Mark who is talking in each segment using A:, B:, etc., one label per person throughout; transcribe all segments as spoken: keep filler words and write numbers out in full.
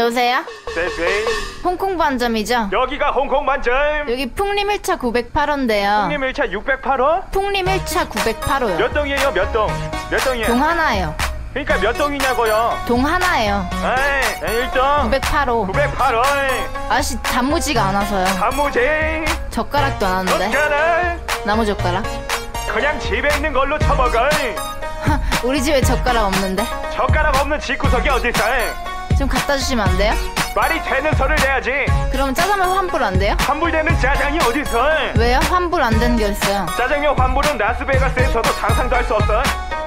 A: 여보세요?
B: 네네.
A: 홍콩 반점이죠?
B: 여기가 홍콩 반점.
A: 여기 풍림 일 차 구백팔 호인데요.
B: 풍림 일 차 육백팔 호?
A: 풍림 일 차 구백팔 호요.
B: 몇 동이에요? 몇 동? 몇 동이에요?
A: 동 하나예요.
B: 그러니까 몇 동이냐고요?
A: 동 하나예요.
B: 에이, 일 동.
A: 구백팔 호.
B: 구백팔 호.
A: 아저씨 단무지가 안 와서요.
B: 단무지.
A: 젓가락도 안 왔는데.
B: 젓가락.
A: 나무 젓가락?
B: 그냥 집에 있는 걸로 쳐먹어.
A: 우리 집에 젓가락 없는데.
B: 젓가락 없는 집구석이 어딨어?
A: 좀 갖다 주시면 안 돼요?
B: 말이 되는 소리를 내야지.
A: 그럼 짜장면 환불 안 돼요?
B: 환불되는 짜장이 어딨어?
A: 왜요? 환불 안 되는 게 있어요.
B: 짜장면 환불은 라스베가스에서도 상상도 할 수 없어.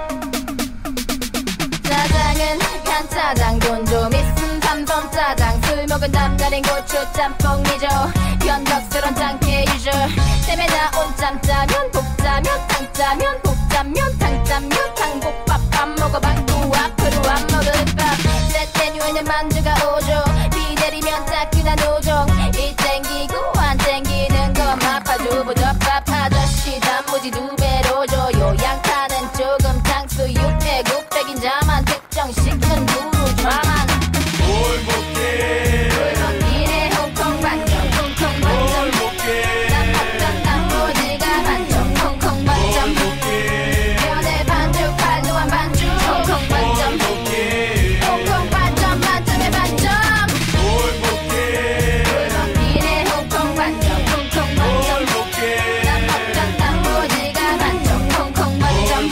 A: 짜장은 간짜장 돈 좀 있음 삼선 짜장 술 먹은 남다른 고추 짬뽕이죠. 변덕스런 짱깨 유저 땜에 나온 짬짜면 복짜면 탕짜면 복짜면 탕짜면 탕복밥 안 먹어 방구 앞으로 안 먹을 밥 셋 메뉴에는 만두가 오죠. 비 내리면 따끈한 오종 이 땡기고 안 땡기는 건 마파두부 덮밥 아저씨 단무지 두 배로 줘요. 양파는 조금 탕수육 배고백인 자만 특정시킨 두루 좌만
B: 뭘 먹게
A: 골목길에 홍콩 반점 홍콩 반점 난 팝전 단무지가 반점 홍콩 반점 면에 반죽 팔도한 반죽 홍콩 반점 홍콩 반점 만점에 반점
B: 뭘 먹게
A: 골목길에 홍콩 반점 홍콩 반점 난 팝전 단무지가 반점 홍콩 반점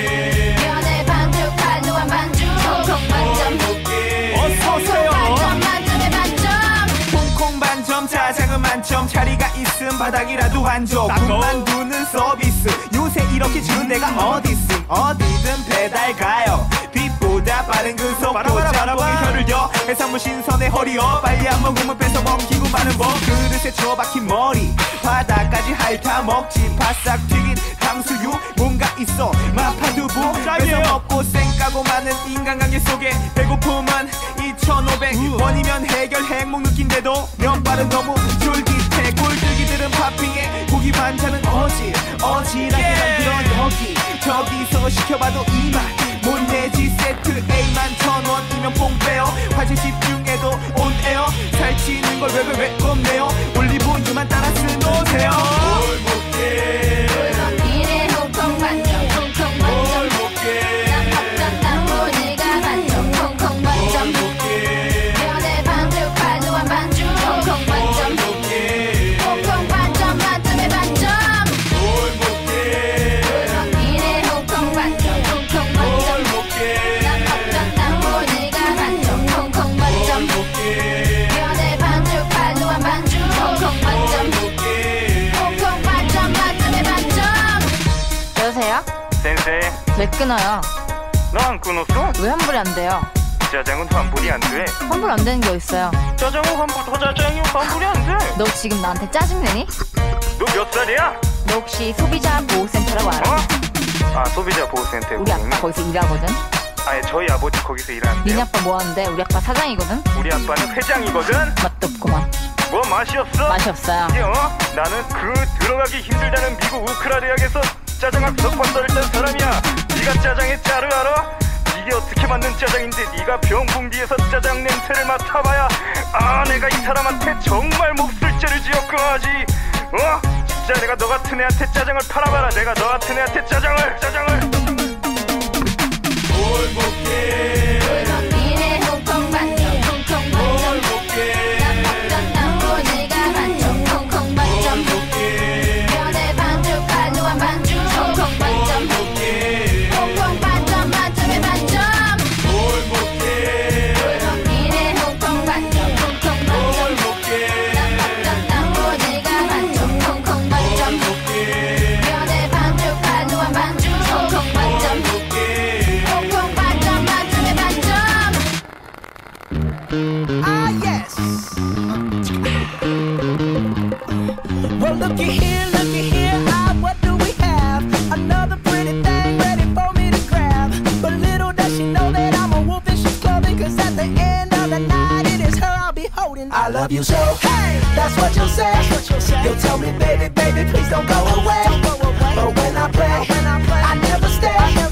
A: 면에 반죽 팔도한 반죽 홍콩 반점
B: 어서오세요.
A: 반점 만점에 반점
C: 홍콩 반점 짜장은 만점 자리가 있음 바닥이라도 한점 군만두는 서비스 요새 이렇게 주는 데가 어딨음 어디든 배달 가요 빛보다 빠른 그 속도 짬뽕에 혀를 여 해산물 신선에 허리여 빨리 한 모금을 뺏어 먹히고 마는 법 그릇에 처박힌 머리 바닥까지 핥아 먹지 바싹 튀긴 탕수육 뭔가 있어 마파두부 뺏어 먹고 쌩까고 많은 인간관계 속에 배고픔은 이천오백 원이면 해결 행복 느낀데도 면발은 너무 쫄깃해 꼴뚜기들은 팥빙에 고기 반찬은 어지 어지럽게 만들어 여기 저기서 시켜봐도 이만 못 내지 세트 A만 천원이면 뽕 빼요 화질 집중해도 온에어 살찌는 걸 왜 왜 왜 겁내요 올리브유만 따라 쓰노세요
B: 뭘 먹게
A: 골목길에 홍콩 반점 홍콩
B: 뭘
A: 반점
B: 먹게
A: 난 팝전 단무지가 반점 홍콩 반점 면에 반죽 팔도한 반죽 홍콩 반점 홍콩 반점 만점에 반점
B: 뭘 먹게
A: 골목길에 홍콩 반점 홍콩 반점 난 팝전 단무지가 반점 홍콩 반점 면에 반죽 팔도한 반죽 홍콩 반점 홍콩 반점 만점에 반점. 여보세요?
B: 센세
A: 왜 끊어요?
B: 너 안 끊었어?
A: 왜 환불이 안 돼요?
B: 짜장은 환불이 안돼.
A: 환불 안 되는 게 있어요.
B: 짜장은 환불 더 짜장이 환불이 안돼.
A: 너 지금 나한테 짜증내니?
B: 너 몇 살이야?
A: 너 혹시 소비자 보호센터라고 알아?
B: 어? 아 소비자 보호센터에
A: 우리 아빠 거기서 일하거든?
B: 아니 저희 아버지 거기서 일하는데요.
A: 니네 아빠 뭐 하는데? 우리 아빠 사장이거든?
B: 우리 아빠는 회장이거든.
A: 맛도 없구만.
B: 뭐 맛이 없어?
A: 맛이 없어요.
B: 이게 어? 나는 그 들어가기 힘들다는 미국 우크라 대학에서 짜장학 석판 떨던 사람이야. 네가 짜장의 짜를 알아? 이게 어떻게 만든 짜장인데 네가 병풍기에서 짜장 냄새를 맡아봐야 아 내가 이 사람한테 정말 몹쓸죄를 지었구나지. 어? 진짜 내가 너 같은 애한테 짜장을 팔아봐라. 내가 너 같은 애한테 짜장을 짜장을 뭘 먹게
A: 골목길에 홍콩 반점 홍콩 반점 난 팝전 단무지가 반점 홍콩 반점 면에 반죽 팔도한 반죽 홍콩 반점 홍콩 반점 만점에 반점
B: 뭘 먹게
A: 골목길에 홍콩 반점 홍콩 반점 난 팝전 단무지가 반점 홍콩 반점 면에 반죽 팔도한 반죽 홍콩 반점 홍콩 반점 만점에 반점.
C: Ah yes. Well looky here, looky here, ah what do we have? Another pretty thing ready for me to grab. But little does she know that I'm a wolf in sheep's clothing. Cause at the end of the night it is her I'll be holding. I love you so, hey, that's what you'll say. You'll tell me baby, baby, please don't go away. But when I play, I never stay.